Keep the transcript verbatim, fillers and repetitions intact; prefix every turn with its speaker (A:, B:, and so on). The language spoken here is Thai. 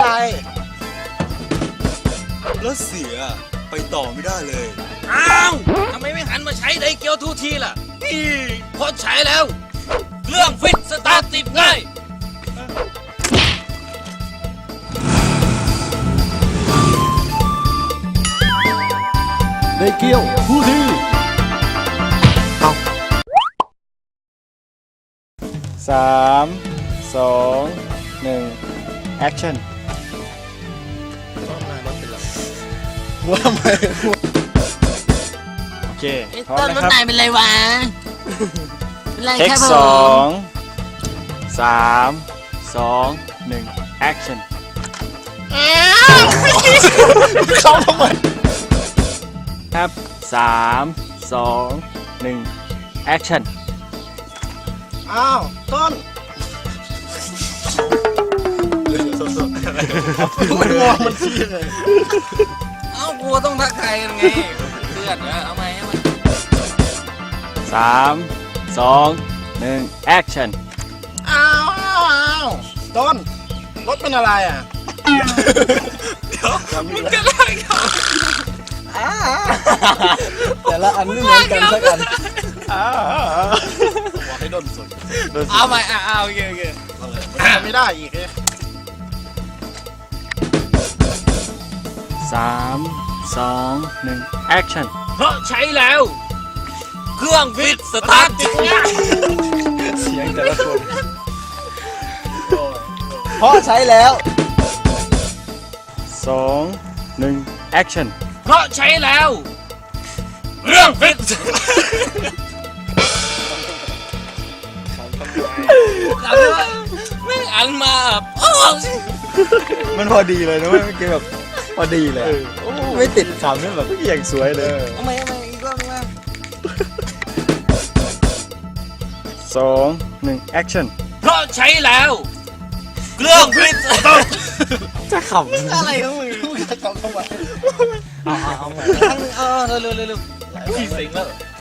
A: แล้วเสียไปต่อไม่ได้เลย
B: อ้าวทำไมไม่หันมาใช้ไดเกียวทูทีล่ะนี่พอใช้แล้วเครื่องฟิตสตาร์ทติดง่าย
C: ไดเกียวทูทีเอาสามสองหนึ่งแอคชั่นว่าทำไมโอเคพร้อม
D: ต้น
C: นะ
D: รถ
C: ครับ
D: นายเป็นไรวะ เป็นไร
C: เทค
D: ครับผ
C: สอ
D: ม
C: งสามสองหนึ่งแอคชั่นเข้าทำไมครับสามสองหนึ่งแอคชั่น
E: อ้าวต้นมันมองมันชี้เลย
B: เอ้ากูต้องทักทายกันไงเพื่อนนะเอาไหมเอาไหม
C: สามสองหนึ่งแอคชั่น
E: อ้าวอ้าวอ้าวต้นรถเป็นอะไรอ่ะ
B: มึงจะไล่เขา
E: แต่ละอันไม่เหมือนกันสักอันบอกให้ต้นสน
B: เอาไหมอ่ะเอาโอเคโอเค
E: ไม่ได้อีกเลย
C: สามสองหนึ่งแอคชั่น
B: เพราะใช้แล้ว เครื่องฟิตสตาร์ทติดง่าย
E: เสียงแต่ละคนเพราะใช้แล้ว
C: สองหนึ่งแอคชั่น
B: เพราะใช้แล้วเครื่องฟิตไม่อันมาแบบโอ้
E: มันพอดีเลยนะเว้ยเมื่อกี้แบบพอดีเลยไม่ติดขำนี่แบบอย่างสวยเลย
B: เอาไหมเอาไหมอีกรอบนึงนะ
C: สองหนึ่งแอคชั่น
B: เพราะใช้แล้วเครื่องฟิต
E: จะขำอะไรของมึงจะขำทำไมเอาเอาเอา
B: เออเร็วเร็วเร็วพี่สิงแล้ว